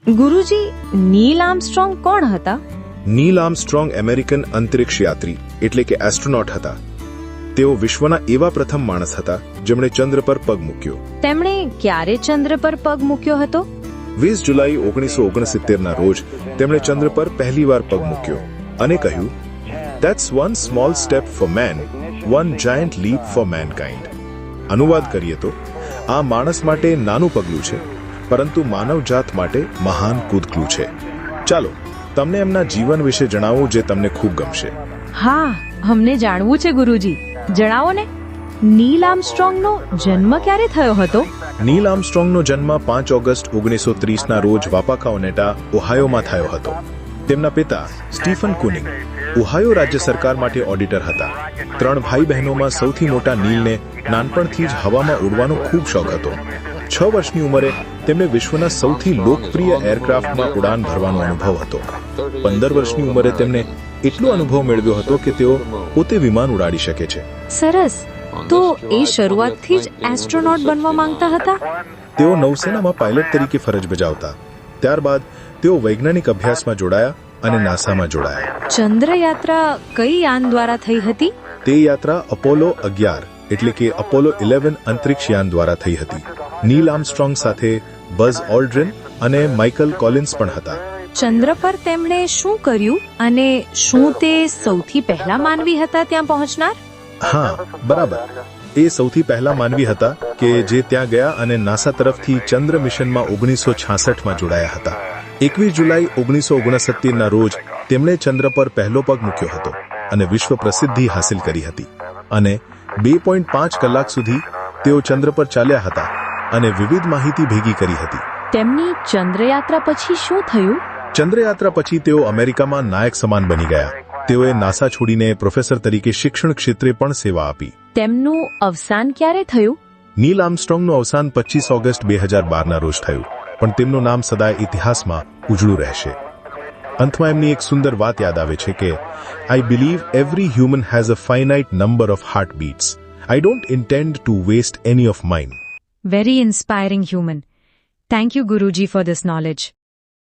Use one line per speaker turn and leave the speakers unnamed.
ગુરુજી, નીલ Armstrong કોણ હતા?
નીલ Armstrong American અંતરિક્ષ યાત્રી એટલે કે એસ્ટ્રોનોટ હતા. તેઓ વિશ્વના એવા પ્રથમ માણસ હતા જેમણે ચંદ્ર પર પગ મૂક્યો.
તેમણે ક્યારે ચંદ્ર પર પગ મૂક્યો હતો?
20 જુલાઈ 1969ના રોજ તેમણે ચંદ્ર પર પહેલીવાર પગ મૂક્યો અને કહ્યું, "That's one small step for man, one giant leap for mankind." અનુવાદ કરીએ તો આ માણસ માટે નાનું પગલું છે, પરંતુ માનવજાત માટે મહાન કૂદકું છે. ચાલો તમને એમના જીવન વિશે જણાવું જે તમને ખૂબ ગમશે.
હા, અમને જાણવું છે ગુરુજી. જણાવો ને. નીલ આર્મસ્ટ્રોંગનો જન્મ ક્યારે થયો હતો?
નીલ આર્મસ્ટ્રોંગનો જન્મ 5 ઓગસ્ટ 1930ના રોજ વાપાકાઓનેટા, ઓહાયોમાં થયો હતો. તેમના પિતા સ્ટીફન કુનિંગ ઓહાયો રાજ્ય સરકાર માટે ઓડિટર હતા. 3 ભાઈ બહેનોમાં સૌથી મોટા નીલને નાનપણથી જ હવામાં ઉડવાનો ખૂબ શોખ હતો. 6 વર્ષની ઉંમરે તેમને વિશ્વના સૌથી લોકપ્રિય એરક્રાફ્ટમાં ઉડાન ભરવાનો અનુભવ હતો. 15 વર્ષની ઉંમરે તેમને એટલો અનુભવ મેળવ્યો હતો કે તેઓ પોતે વિમાન ઉડાડી શકે છે.
સરસ. તો એ શરૂઆતથી જ એસ્ટ્રોનોટ બનવા માંગતા હતા?
તેઓ નૌસેનામાં પાયલટ તરીકે ફરજ બજાવતા. ત્યારબાદ તેઓ વૈજ્ઞાનિક અભ્યાસમાં જોડાયા અને નાસામાં જોડાયા.
ચંદ્રયાત્રા કઈ યાન દ્વારા થઈ હતી?
તે યાત્રા અપોલો 11 એટલે કે અપોલો 11 અંતરિક્ષ યાન દ્વારા થઈ હતી. નીલ આર્મસ્ટ્રોંગ સાથે બઝ ઓલ્ડ્રિન અને માઇકલ કોલિન્સ પણ હતા.
ચંદ્ર પર તેમણે શું કર્યું અને શું તે સૌથી પહેલા માનવી હતા ત્યાં પહોંચનાર?
હા, બરાબર. એ સૌથી પહેલા માનવી હતા કે જે ત્યાં ગયા અને નાસા તરફથી ચંદ્ર મિશનમાં 1966માં જોડાયા હતા. 21 જુલાઈ 1969ના રોજ તેમણે ચંદ્ર પર પહેલો પગ મૂક્યો હતો અને વિશ્વ પ્રસિદ્ધિ હાંસિલ કરી હતી. અને 2.5 કલાક સુધી તેઓ ચંદ્ર પર ચાલ્યા હતા અને વિવિધ માહિતી ભેગી કરી હતી.
તેમની ચંદ્રયાત્રા પછી શું થયું?
ચંદ્રયાત્રા પછી તેઓ અમેરિકામાં નાયક સમાન બની ગયા. તેઓએ નાસા છોડીને પ્રોફેસર તરીકે શિક્ષણ ક્ષેત્રે પણ સેવા આપી.
તેમનું અવસાન ક્યારે થયું?
નીલ આર્મસ્ટ્રોંગનું અવસાન 25 ઓગસ્ટ 2012ના રોજ થયું, પણ તેમનું નામ સદાય ઇતિહાસમાં ઉજળું રહેશે. અંતમાં એમની એક સુંદર વાત યાદ આવે છે કે I believe every human has a finite number of heartbeats. I don't intend to waste any of mine.
Very inspiring human. Thank you, Guruji, for this knowledge.